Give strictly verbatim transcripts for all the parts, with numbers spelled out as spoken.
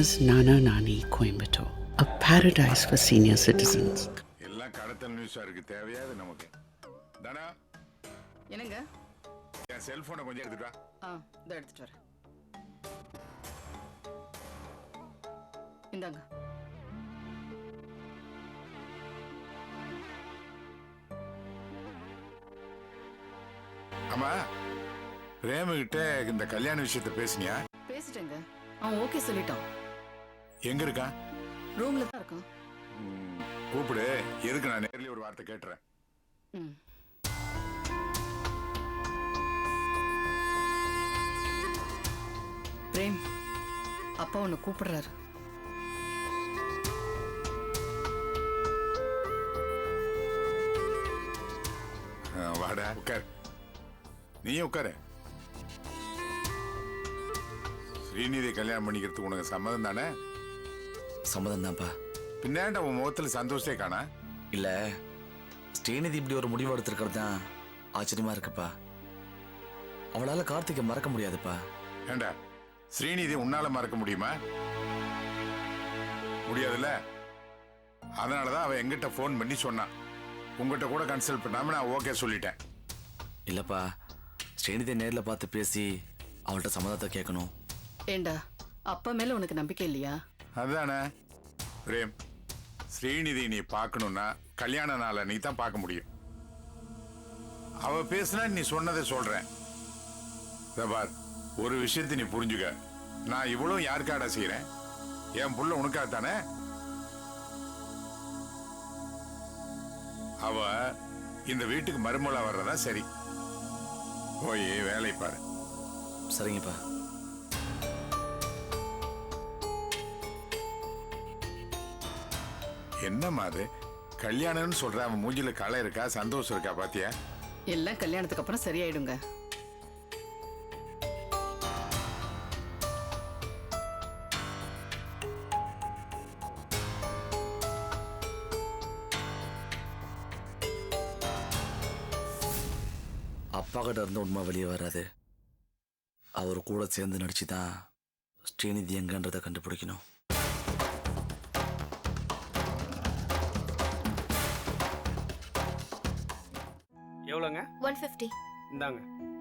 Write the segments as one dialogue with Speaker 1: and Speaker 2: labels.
Speaker 1: Nana's Nana Nani Coimbatore, a paradise for senior citizens.
Speaker 2: எல்லாம் கடத்தல் நியூஸா இருக்கு, தேவையாது நமக்கு. தானா
Speaker 3: என்னங்க?
Speaker 2: என் செல்போனை கொஞ்சம் எடுத்துட்டு வா.
Speaker 3: ஆ, இதோ எடுத்துட்டு வரேன். இந்தாங்க.
Speaker 2: அம்மா, பிரேம கிட்ட இந்த கல்யாண விஷயத்தை பேசினியா?
Speaker 3: பேசிட்டேங்க. அவன் ஓகே சொல்லிட்டான்.
Speaker 2: எங்க இருக்கான்?
Speaker 3: ரூம்ல தான் இருக்கான்.
Speaker 2: கூப்பிடு, எதுக்கு நான் நேர்ல ஒரு வார்த்தை கேட்டுறேன்.
Speaker 3: ம். பிரேம், அப்பா உன்னை கூப்பிடுறாரு.
Speaker 2: வாடா, உட்கார். நீயும் உட்காரு. ஸ்ரீநிதி கல்யாணம் பண்ணிக்கிறதுக்கு உனக்கு சம்மதம் தானே?
Speaker 4: சம்மதம் தான்ப்பா.
Speaker 2: பின்னாண்ட உன் முகத்துல சந்தோஷத்தை காணா?
Speaker 4: இல்ல, ஸ்ரீநிதி இப்படி ஒரு முடிவு எடுத்திருக்கிறது தான் ஆச்சரியமா இருக்குப்பா. அவளால கார்த்திகை மறக்க முடியாதுப்பா.
Speaker 2: ஏண்டா, ஸ்ரீநிதி உன்னால மறக்க முடியுமா? முடியாதுல்ல. அதனாலதான் அவ எங்கிட்ட போன் பண்ணி சொன்னான். உங்ககிட்ட கூட கன்சல்ட் பண்ணாம நான் ஓகே சொல்லிட்டேன்.
Speaker 4: இல்லப்பா, ஸ்ரீநிதி நேர்ல பார்த்து பேசி அவள்கிட்ட சம்மதத்தை கேட்கணும்.
Speaker 3: ஏண்டா, அப்பா மேல உனக்கு நம்பிக்கை இல்லையா?
Speaker 2: அதுதானே பிரேம், ஸ்ரீநிதி நீ பார்க்கணும்னா கல்யாண நாளை நீ தான் பார்க்க முடியும். அவ பேசுனா நீ சொன்னதை சொல்றேன். பார், ஒரு விஷயத்தை நீ புரிஞ்சுக்க. நான் இவ்வளவு யாருக்காடா செய்யறேன்? என் புள்ள உனக்காக தானே. அவ இந்த வீட்டுக்கு மருமலா வர்றதா சரி. போய் வேலை பாரு.
Speaker 4: சரிங்கப்பா.
Speaker 2: என்னம்மா அது கல்யாணம்னு சொல்ற? அவன் மூஞ்சில களை இருக்கா, சந்தோஷம் இருக்கா பாத்தியா?
Speaker 3: எல்லாம் கல்யாணத்துக்கு அப்புறம் சரியாயிடுங்க.
Speaker 4: அப்பா கிட்ட இருந்து உண்மை வெளியே வராது. அவர் கூட சேர்ந்து நடிச்சுதான் ஸ்ரீநிதி எங்கன்றதை கண்டுபிடிக்கணும்.
Speaker 5: எவ்வளோங்க?
Speaker 6: One fifty.
Speaker 5: இந்தாங்க.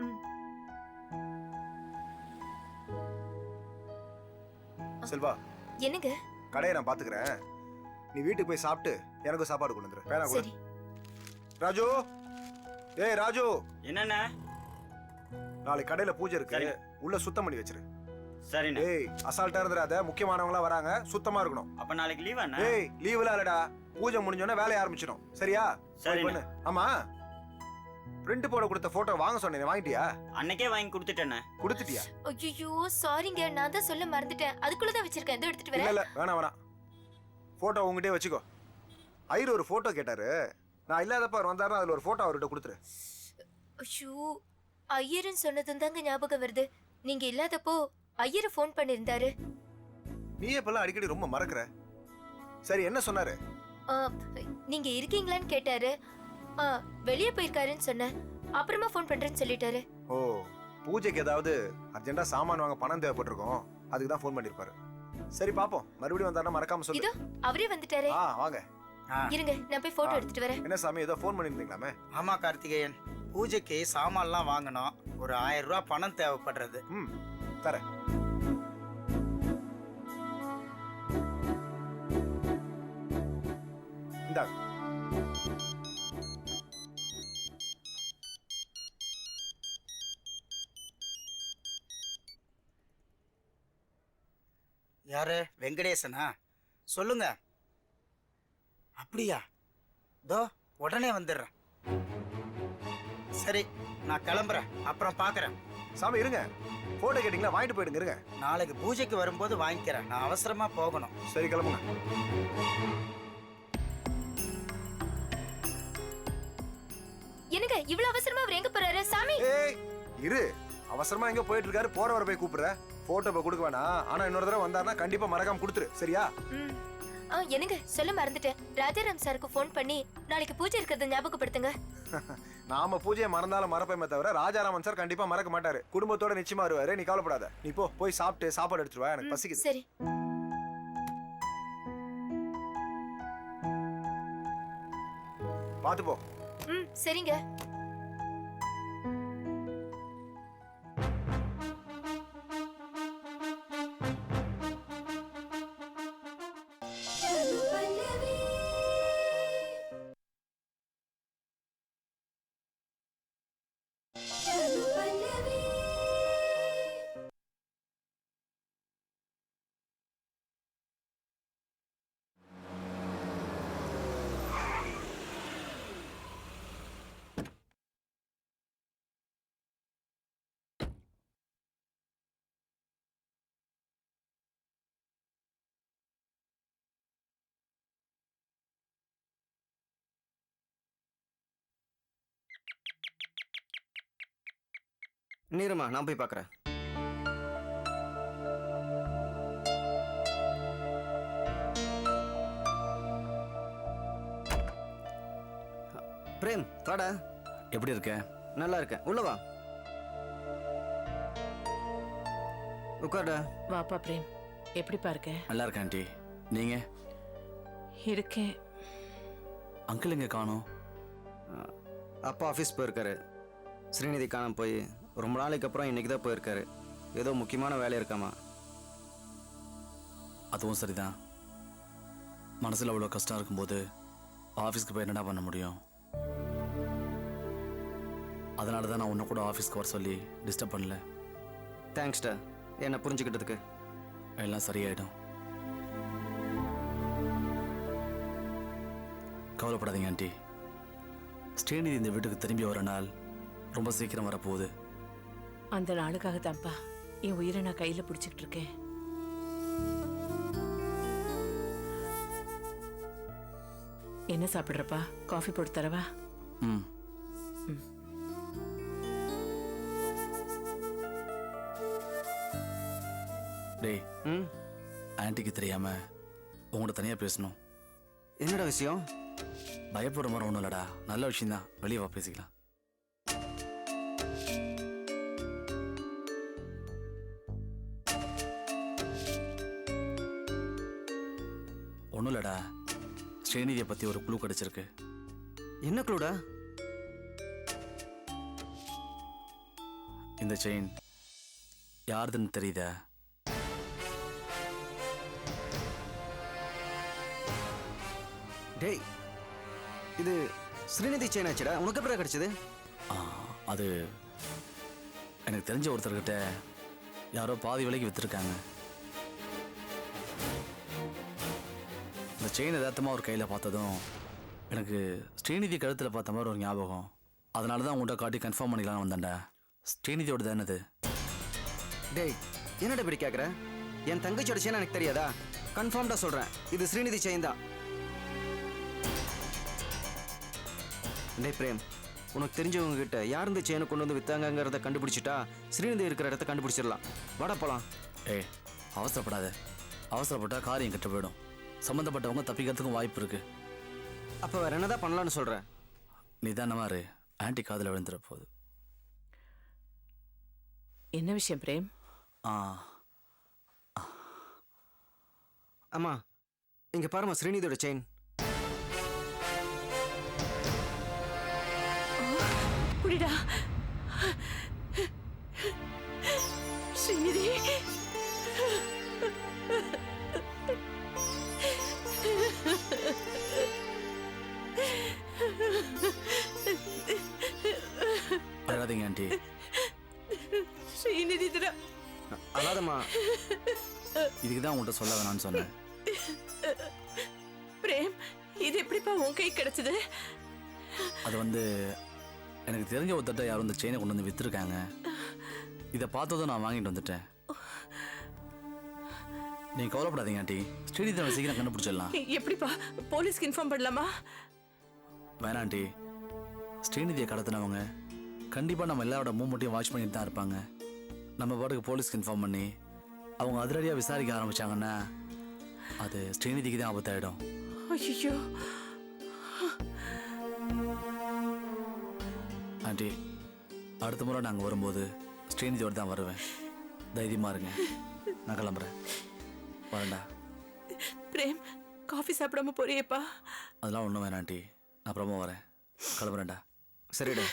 Speaker 7: செல்வா,
Speaker 6: என்னங்க?
Speaker 7: கடையை நான் பாத்துக்கிறேன். நீ வீட்டுக்கு போய் சாப்பிட்டு எனக்கு சாப்பாடு கொண்டு வந்துரு. வேணா கூட. ராஜு, ஏய் ராஜு.
Speaker 5: என்னண்ணா?
Speaker 7: நாளைக்கு கடையில பூஜை இருக்கு, உள்ள சுத்தம் பண்ணி வச்சிரு.
Speaker 5: சரிண்ணா.
Speaker 7: ஏய், அசால்ட்டா இருந்துடாத. முக்கியமானவங்களா வராங்க, சுத்தமா இருக்கணும்.
Speaker 5: அப்ப நாளைக்கு லீவ் அண்ணா?
Speaker 7: ஏய், லீவ்ல இல்லடா. பூஜை முடிஞ்சோனே வேலைய ஆரம்பிச்சிடும். சரியா?
Speaker 5: சரி
Speaker 7: பண்ணு. ஆமா, பிரிண்ட் போட கொடுத்த போட்டோ வாங்க சொன்னேன், வாங்கிட்டியா?
Speaker 5: அன்னைக்கே வாங்கி கொடுத்துட்டேனே.
Speaker 7: கொடுத்துட்டியா?
Speaker 6: ஐயோ சாரிங்க, நான் தான் சொல்ல மறந்துட்டேன். அதுக்குள்ள தான் வச்சிருக்கேன். இதோ எடுத்துட்டு வரேன்.
Speaker 7: இல்ல இல்ல, வேணாம் வேணாம். போட்டோ உங்ககிட்டயே வச்சுக்கோ. ஐயர் ஒரு போட்டோ கேட்டாரு. நான் இல்லாதப்ப அவர் வந்தாருன்னா அதுல ஒரு போட்டோ அவர்கிட்ட கொடுத்துரு.
Speaker 6: ஐயோ, ஐயர்னு சொன்னதும் தாங்க ஞாபகம் வருது. நீங்க இல்லாதப்போ ஐயரை ஃபோன் பண்ணிருந்தாரு.
Speaker 7: நீ எப்பெல்லாம் அடிக்கடி ரொம்ப மறக்கற. சரி, என்ன சொன்னாரு?
Speaker 6: நீங்க இருக்கீங்களான்னு கேட்டாரு. வெளியே போயிருக்காருன்னு சொன்னேன். அப்புறமா ஃபோன் பண்றேன்னு சொல்லிட்டாரு.
Speaker 7: ஓ, பூஜைக்கு ஏதாவது அர்ஜென்ட்டா சாமான் வாங்க பணம் தேவைப்பட்டிருக்கும், அதுக்கு தான் ஃபோன் பண்ணிருப்பாரு. சரி பாப்போம், மறுபடியும் வந்தாருன்னா மறக்காம சொல்லு.
Speaker 6: இதோ அவரே வந்துட்டாரே.
Speaker 7: ஆ வாங்க.
Speaker 6: இருங்க, நான் போய் போட்டோ எடுத்துட்டு வரேன்.
Speaker 7: என்ன சாமி, ஏதோ ஃபோன் பண்ணிருந்தீங்களாமே?
Speaker 8: ஆமா கார்த்திகேயன், பூஜைக்கு சாமான்லாம் வாங்கணும். ஒரு ஆயிரம் ரூபாய் பணம் தேவைப்படுறது.
Speaker 7: ம், தரேன். இந்தாங்க.
Speaker 8: யாரு? வெங்கடேசனா? சொல்லுங்க. அப்படியா? தோ உடனே வந்துடுறேன். சரி, நான் கிளம்புறேன், அப்புறம் பாக்குறேன்.
Speaker 7: சாமி இருங்க, போட்டோ கேட்டீங்களா? வாங்கிட்டு போயிடுங்க. இருங்க,
Speaker 8: நாளைக்கு பூஜைக்கு வரும்போது வாங்கிக்கிறேன். நான் அவசரமா போகணும்.
Speaker 7: சரி, கிளம்புங்க.
Speaker 6: என்னங்க இவ்வளவு அவசரமா அவர் எங்க போறாரு? சாமி
Speaker 7: ஏய் இரு, அவசரமா எங்க போயிட்டு இருக்காரு? போறவரை போய் கூப்பிடுற. போட்டோ போய் கொடுக்க வேணாம். ஆனா இன்னொரு தடவை வந்தாருன்னா கண்டிப்பா மறக்காம கொடுத்துரு. சரியா?
Speaker 6: ம். ஆ, என்னங்க சொல்ல மறந்துட்டேன். ராஜாராம் சாருக்கு ஃபோன் பண்ணி நாளைக்கு பூஜை இருக்கிறத ஞாபகப்படுத்துங்க.
Speaker 7: நாம பூஜையை மறந்தாலும் மறப்பேமே தவிர ராஜாராமன் சார் கண்டிப்பா மறக்க மாட்டாரு. குடும்பத்தோட நிச்சயமா வருவாரு. நீ கவலைப்படாத. நீ போ, போய் சாப்பிட்டு சாப்பாடு எடுத்துட்டு வா, எனக்கு பசிக்குது.
Speaker 6: சரி.
Speaker 7: பார்த்து போ.
Speaker 6: ம் சரிங்க.
Speaker 9: நீருமா, நான் போய் பார்க்குறேன். பிரேம், வாடா.
Speaker 4: எப்படி இருக்க?
Speaker 9: நல்லா இருக்கேன். உள்ள வா. உட்கார்டா.
Speaker 10: வாப்பா பிரேம், எப்படிப்பா இருக்க?
Speaker 4: நல்லா இருக்கேன் ஆண்டி. நீங்க?
Speaker 10: இருக்கேன்.
Speaker 4: அங்கிள் எங்க காணோம்?
Speaker 9: அப்பா ஆஃபீஸ் போயிருக்காரு. ஸ்ரீநிதி காணாம போய் ரொம்ப நாளைக்கு அப்புறம் இன்னைக்கு தான் போயிருக்காரு. ஏதோ முக்கியமான வேலை இருக்காமா.
Speaker 4: அதுவும் சரிதான். மனசில் அவ்வளோ கஷ்டம் இருக்கும்போது ஆஃபீஸ்க்கு போய் என்னடா பண்ண முடியும்? அதனால தான் நான் உன்னை கூட ஆஃபீஸ்க்கு வர சொல்லி டிஸ்டர்ப் பண்ணல.
Speaker 9: தேங்க்ஸ்டா, என்னை புரிஞ்சுக்கிட்டதுக்கு.
Speaker 4: எல்லாம் சரியாயிடும். கவலைப்படாதீங்க ஆண்டி. ஸ்ரீநிதி இந்த வீட்டுக்கு திரும்பி வர நாள் ரொம்ப சீக்கிரம் வரப்போகுது.
Speaker 10: அந்த நாளுக்காக தான்ப்பா என் உயிரை நான் கையில பிடிச்சிக்கிட்டு இருக்கேன். என்ன சாப்பிடுறப்பா? காஃபி போட்டு தரவா?
Speaker 4: ம். டேய்,
Speaker 9: ம்
Speaker 4: ஆன்ட்டிக்கு தெரியாம உங்கள்கிட்ட தனியாக பேசணும்.
Speaker 9: என்னடா விஷயம்?
Speaker 4: பயப்படுற மாதிரி ஒன்றும் இல்லடா, நல்ல விஷயம்தான். வெளியே வா, பேசிக்கலாம். ஒன்றும் இல்லடா, ஸ்ரீநிதியை பற்றி ஒரு குழு கிடைச்சிருக்கு.
Speaker 9: என்ன குழுடா?
Speaker 4: இந்த செயின் யாருதுன்னு தெரியுதா?
Speaker 9: டேய், இது ஸ்ரீநிதி செயின் ஆச்சுடா. உனக்கு எப்படி கிடைச்சது?
Speaker 4: ஆ, அது எனக்கு தெரிஞ்ச ஒருத்தர்கிட்ட யாரோ பாதி விலைக்கு விற்றுருக்காங்க. இந்த செயின் எதார்த்தமாக ஒரு கையில் பார்த்ததும் எனக்கு ஸ்ரீநிதி கழுத்தில் பார்த்த மாதிரி ஒரு ஞாபகம். அதனால தான் உங்கள்கிட்ட காட்டி கன்ஃபார்ம் பண்ணிக்கலாம்னு வந்தேன்டா. ஸ்ரீநிதியோட தானே அது?
Speaker 9: டேய், என்னடா இப்படி கேட்குற? என் தங்கச்சியோட செயின் எனக்கு தெரியாதா? கன்ஃபார்ம்டா சொல்கிறேன், இது ஸ்ரீநிதி செயின் தான். டேய் பிரேம், உனக்கு தெரிஞ்சவங்க கிட்ட யார் இந்த செயினை கொண்டு வந்து வித்தாங்கிறத கண்டுபிடிச்சிட்டா ஸ்ரீநிதி இருக்கிற இடத்த கண்டுபிடிச்சிடலாம். வாடா போலாம்.
Speaker 4: ஏய், அவசரப்படாத. அவசரப்பட்டா காரியம் கெட்டு போயிடும். சம்மந்தப்பட்டவங்க தப்பிக்கிறதுக்கும் வாய்ப்பு இருக்கு.
Speaker 9: அப்போ வேற என்னதான் பண்ணலான்னு சொல்ற?
Speaker 4: நிதானமாரு, ஆன்ட்டி காதில் விழுந்துற போகுது.
Speaker 10: என்ன விஷயம் பிரேம்?
Speaker 4: ஆ,
Speaker 9: அம்மா, இங்க பாருமா, ஸ்ரீநிதியோட செயின்.
Speaker 10: புடிடா ஸ்ரீநிதி.
Speaker 4: அழாதீங்க ஆண்டி.
Speaker 10: ஸ்ரீநிதி தர
Speaker 9: அழாதம்மா.
Speaker 4: இதுக்கு தான் உங்கள்கிட்ட சொல்ல வேணாம்னு சொன்னேன்.
Speaker 10: பிரேம், இது எப்படிப்பா உன் கை கிடைச்சது?
Speaker 4: அது வந்து எனக்கு தெரிஞ்ச ஒருத்தட்ட யாரும் இந்த செயினை கொண்டு வந்து விற்றுருக்காங்க. இதை பார்த்ததும் நான் வாங்கிட்டு வந்துட்டேன். நீங்கள் கவலைப்படாதீங்க ஆண்டி, ஸ்ரீநிதி நம்ம சீக்கிரம் கண்டுபிடிச்சிடலாம்.
Speaker 10: எப்படிப்பா? போலீஸ்க்கு இன்ஃபார்ம் பண்ணலாமா?
Speaker 4: வேணாம் ஆண்டி, ஸ்ரீநிதியை கடத்தினவங்க கண்டிப்பாக நம்ம எல்லாரோட மூமெண்ட்டையும் வாட்ச் பண்ணிட்டு தான் இருப்பாங்க. நம்ம பாட்டுக்கு போலீஸ்க்கு இன்ஃபார்ம் பண்ணி அவங்க அதிரடியாக விசாரிக்க ஆரம்பித்தாங்கன்னா அது ஸ்ரீநிதிக்கு தான் ஆபத்தாயிடும்.
Speaker 10: ஐயோ
Speaker 4: ஆண்டி, அடுத்த முறை நாங்கள் வரும்போது ஸ்ரீநிதியோடு தான் வருவேன். தைரியமாக இருங்க. நான் கிளம்புறேன். வரேன்டா.
Speaker 10: பிரேம், காஃபி சாப்பிடாம போறியேப்பா?
Speaker 4: அதெல்லாம் ஒன்றும் வேணாம் ஆண்டி, நான் அப்புறமா வரேன். கிளம்புறேன்டா.
Speaker 9: சரிடா.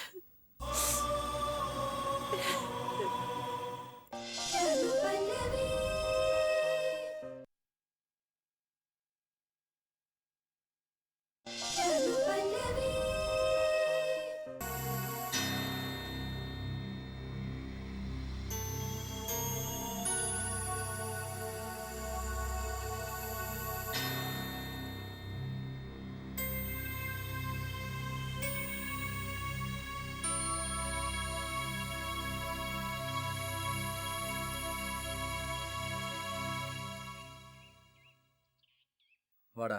Speaker 4: வாடா.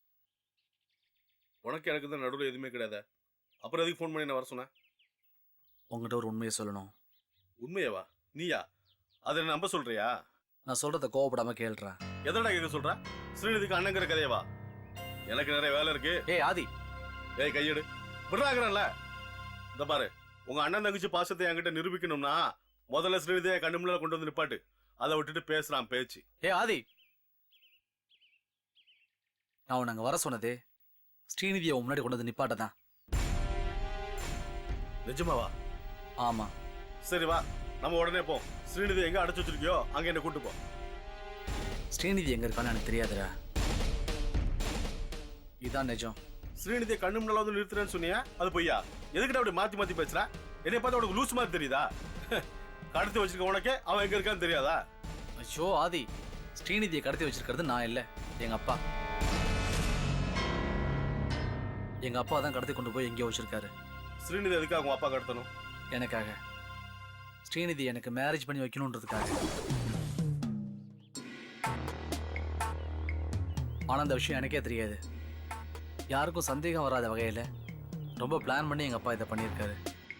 Speaker 11: உனக்கு எனக்கு தான் நடுவில் எதுவுமே கிடையாது. அப்புறம் எதுக்கு ஃபோன் பண்ணி என்ன வர சொன்னேன்?
Speaker 4: உங்ககிட்ட ஒரு உண்மையை சொல்லணும்.
Speaker 11: உண்மையவா? நீயா? அதை என்ன நம்ப சொல்றியா?
Speaker 4: நான் சொல்றத கோவப்படாம கேள்றேன்.
Speaker 11: எதடா கேட்க சொல்ற? ஸ்ரீநிதிக்கு அண்ணங்கிற கதையவா? எனக்கு நிறைய வேலை இருக்கு.
Speaker 4: ஏய் ஆதி,
Speaker 11: ஏய் கையெடு. விடுறாங்கறல. இந்த பாரு, உங்க அண்ணன் தங்கச்சி பாசத்தை என்கிட்ட நிரூபிக்கணும்னா முதல்ல ஸ்ரீநிதியை கண்ணு முன்னால கொண்டு வந்து நிப்பாட்டு. அதை விட்டுட்டு பேசுறான் பேச்சு.
Speaker 4: ஏய் ஆதி, நான் உன்னை அங்கே வர சொன்னது ஸ்ரீநிதியை முன்னாடி கொண்டு வந்து நிப்பாட்ட தான்.
Speaker 11: நிஜமாவா?
Speaker 4: ஆமா.
Speaker 11: சரி வா, நம்ம உடனே போ. ஸ்ரீநிதி எங்க அடைச்சு வச்சிருக்கியோ அங்க என்ன கூட்டு போ.
Speaker 4: ஸ்ரீநிதி எங்க இருக்கான்னு எனக்கு தெரியாதுடா. இதான் நிஜம்.
Speaker 11: ஸ்ரீநிதியை கண்ணு முன்னால வந்து நிறுத்துறேன்னு சொன்னியா? அது பொய்யா? எதுக்கிட்ட அப்படி மாத்தி மாத்தி பேசுற? என்னை பார்த்து உனக்கு லூஸ் மாதிரி தெரியுதா? கடத்தி வச்சிருக்க உனக்கே அவன் எங்க இருக்கான்னு தெரியாதா?
Speaker 4: ஐயோ ஆதி, ஸ்ரீநிதியை கடத்தி வச்சிருக்கிறது நான் இல்லை, எங்க அப்பா. எங்க அப்பா தான் கடத்தி கொண்டு போய் எங்கேயோ வச்சிருக்காரு.
Speaker 11: ஸ்ரீநிதி எதுக்காக உங்க அப்பா கடத்தணும்?
Speaker 4: எனக்காக. ஸ்ரீநிதி எனக்கு மேரேஜ் பண்ணி வைக்கணுன்றதுக்காக. ஆனா அந்த விஷயம் எனக்கே தெரியாது. யாருக்கும் சந்தேகம் வராத வகையில ரொம்ப பிளான் பண்ணி எங்க அப்பா இதை பண்ணியிருக்காரு.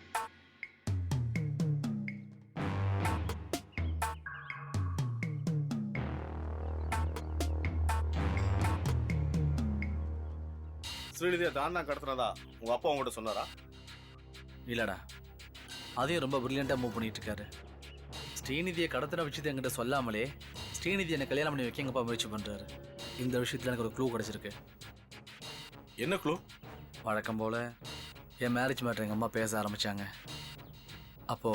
Speaker 11: ஸ்ரீநிதியை தான் தான் கடத்தினதா உங்க அப்பா உங்ககிட்ட சொன்னாரா?
Speaker 4: இல்லடா, அதையும் ரொம்ப பிரில்லியண்டா மூவ் பண்ணிட்டு இருக்காரு. ஸ்ரீநிதியை கடத்தின விஷயத்தை என்கிட்ட சொல்லாமலே ஸ்ரீநிதி என்னை கல்யாணம் பண்ணி வைக்க எங்க அப்பா முயற்சி பண்றாரு. இந்த விஷயத்துல எனக்கு ஒரு க்ளூ கிடைச்சிருக்கு.
Speaker 11: என்ன க்ளூ?
Speaker 4: வழக்கம் போல என் மேரேஜ் மேட்டர் எங்க அம்மா பேச ஆரம்பிச்சாங்க. அப்போ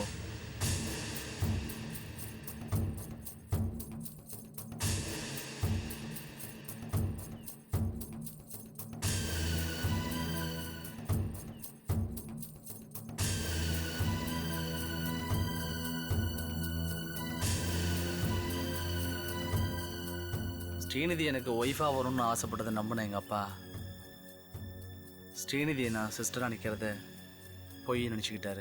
Speaker 4: ஸ்ரீநிதி எனக்கு ஒய்ஃபாக வரும்னு ஆசைப்பட்டதை நம்பின எங்கள் அப்பா ஸ்ரீநிதியை நான் சிஸ்டராக நிற்கிறத பொய் நினச்சிக்கிட்டாரு.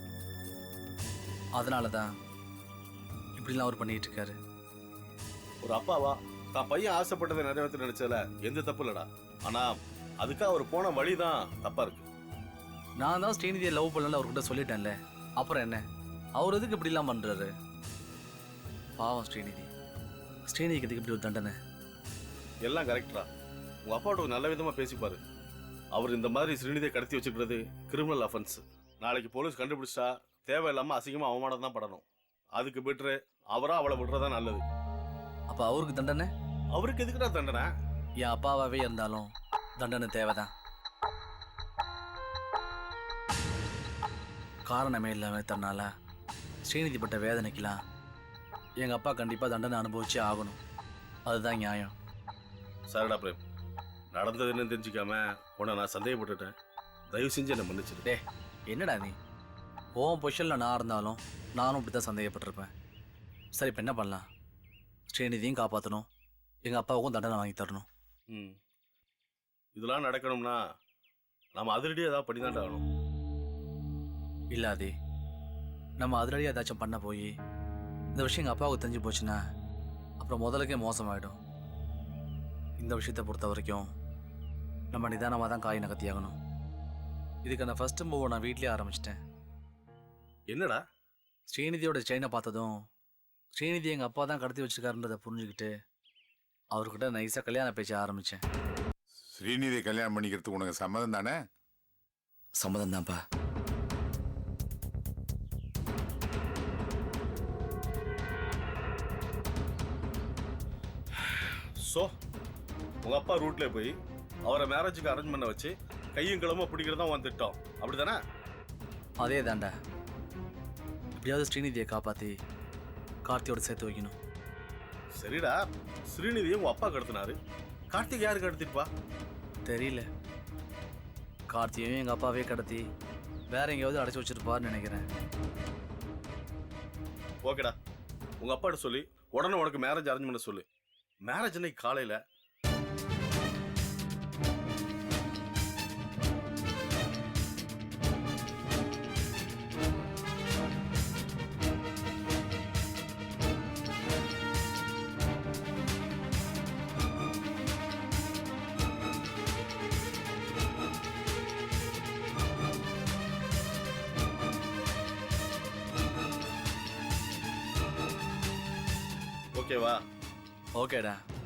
Speaker 4: அதனால தான் இப்படிலாம் அவர் பண்ணிகிட்டு இருக்காரு.
Speaker 11: ஒரு அப்பாவா தான் பையன் ஆசைப்பட்டதை நிறைவேற்ற நினைச்சல எந்த தப்பு இல்லடா. ஆனா அதுக்காக அவர் போன வழி தான் தப்பா இருக்கு.
Speaker 4: நான் தான் ஸ்ரீநிதியை லவ் பண்ணல அவர்கிட்ட சொல்லிட்டேன்ல, அப்புறம் என்ன? அவர் எதுக்கு இப்படிலாம் பண்ணுறாரு? பாவம் ஸ்ரீநிதி. ஸ்ரீநிதிக்கு எதுக்கு இப்படி ஒரு தண்டனை?
Speaker 11: எல்லாம் கரெக்டா. உங்க அப்பாவோட ஒரு நல்ல விதமா பேசிப்பாரு. அவர் இந்த மாதிரி ஸ்ரீநிதியை கடத்தி வச்சுக்கிறது கிரிமினல் அஃபென்ஸ். நாளைக்கு போலீஸ் கண்டுபிடிச்சா தேவையில்லாம அசிங்கமா அவமானம் தான் படணும். அதுக்கு பெட்ரு அவரா அவளை விடுறதா நல்லது.
Speaker 4: அப்போ அவருக்கு தண்டனை?
Speaker 11: அவருக்கு எதுக்குடா தண்டனை?
Speaker 4: என் அப்பாவாவே இருந்தாலும் தண்டனை தேவைதான். காரணமே இல்லாம தன்னால ஸ்ரீநிதி பட்ட வேதனைக்கெல்லாம் எங்க அப்பா கண்டிப்பா தண்டனை அனுபவிச்சே ஆகணும். அதுதான் நியாயம்.
Speaker 11: சரிடா பிரேம், நடந்ததுன்னு தெரிஞ்சுக்காம உன்னை நான் சந்தேகப்பட்டுட்டேன். தயவு செஞ்சு என்னை மன்னிச்சிடு.
Speaker 4: டே என்னடா நீ? ஓன் பொசிஷனில் நான் இருந்தாலும் நானும் இப்படி தான் சந்தேகப்பட்டிருப்பேன். சரி, இப்போ என்ன பண்ணலாம்? ஸ்ரீநிதியும் காப்பாற்றணும், எங்கள் அப்பாவுக்கும் தண்டனை வாங்கி தரணும்.
Speaker 11: ம் இதெல்லாம் நடக்கணும்னா நம்ம அதிரடியாக ஏதாவது பண்ணி தான் ஆகணும்.
Speaker 4: இல்லாதே நம்ம அதிரடியாக ஏதாச்சும் பண்ண போய் இந்த விஷயம் எங்கள் அப்பாவுக்கு தெரிஞ்சு போச்சுன்னா அப்புறம் முதலுக்கே மோசமாயிடும். இந்த விஷயத்தை பொறுத்த வரைக்கும் நம்ம நிதானமாக தான் காய் நகர்த்தியாகணும். இதுக்கு நான் ஃபர்ஸ்ட் மூவ் நான் வீட்லேயே ஆரம்பிச்சிட்டேன்.
Speaker 11: என்னடா?
Speaker 4: ஸ்ரீநிதியோட செயினை பார்த்ததும் ஸ்ரீநிதி எங்கள் அப்பா தான் கடத்தி வச்சிருக்காருன்றதை புரிஞ்சுக்கிட்டு அவர்கிட்ட நைஸாக கல்யாண பேச்ச ஆரம்பித்தேன்.
Speaker 2: ஸ்ரீநிதி கல்யாணம் பண்ணிக்கிறதுக்கு உனக்கு சம்மதம் தானே?
Speaker 4: சம்மதம் தான்ப்பா.
Speaker 11: ஸோ உங்க அப்பா ரூட்ல போய் அவரை மேரேஜுக்கு அரேஞ்ச் பண்ண வச்சு கையும் கிளம்ப பிடிக்கிறதா உன் திட்டம் அப்படிதானே?
Speaker 4: அதே தாண்டா. எப்படியாவது ஸ்ரீநிதியை காப்பாற்றி கார்த்தியோட சேர்த்து வைக்கணும்.
Speaker 11: சரிடா, ஸ்ரீநிதியை உன் அப்பா கடத்தினாரு, கார்த்திக் யாரு கடத்திருப்பா?
Speaker 4: தெரியல. கார்த்தியையும் எங்கள் அப்பாவே கடத்தி வேற எங்கேயாவது அடைச்சி வச்சிருப்பாருன்னு நினைக்கிறேன்.
Speaker 11: ஓகேடா, உங்க அப்பாட்ட சொல்லி உடனே உனக்கு மேரேஜ் அரேஞ்ச் பண்ண சொல்லு. மேரேஜ் அன்னைக்கு காலையில ஓகேவா?
Speaker 4: ஓகேடா.